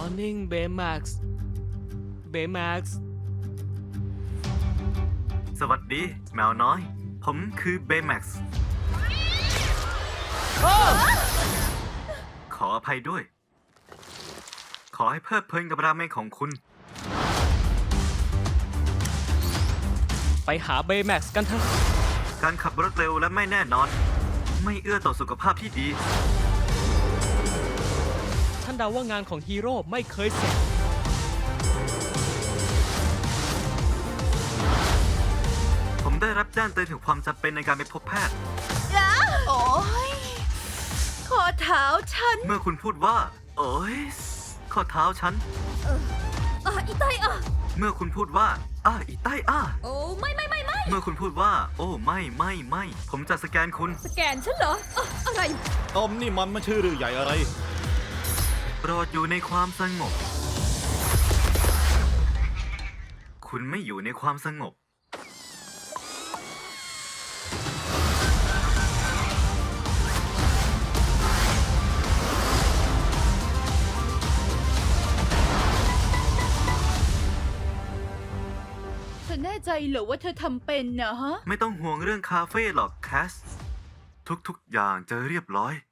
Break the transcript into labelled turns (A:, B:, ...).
A: Morning Baymax Baymax
B: สวัสดีแมวน้อย ผมคือเบย์แม็กซ์ขออภัยด้วย ขอให้เพลิดเพลินกับราเมงของคุณ
A: ไปหา Baymax กันเถอะ
B: การขับรถเร็วและไม่แน่นอน ไม่เอื้อต่อสุขภาพที่ดี
A: ท่านเดาว่างานของฮีโร่ไม่เคยเสร็จ
B: ผมได้รับแจ้งเตือนถึงความจำเป็นในการไปพบแพทย์
C: โอ้ยข้อเท้าฉัน
B: เมื่อคุณพูดว่า โอ้ยข้อเท้าฉัน
C: อีไต
B: เมื่อคุณพูดว่าอีใต้
C: โอ้ไม่
B: เมื่อคุณพูดว่า โอ้ไม่ผมจะสแกนคุณ
C: สแกนฉันเหรออะไร
D: ต้มนี่มันไม่ใช่เรื่องใหญ่อะไร
B: โปรดอยู่ในความสงบ คุณไม่อยู่ในความสงบ
C: เธอแน่ใจเหรอว่าเธอทำเป็นนะฮะ
B: ไม่ต้องห่วงเรื่องคาเฟ่หรอกแคส ทุกๆอย่างจะเรียบร้อย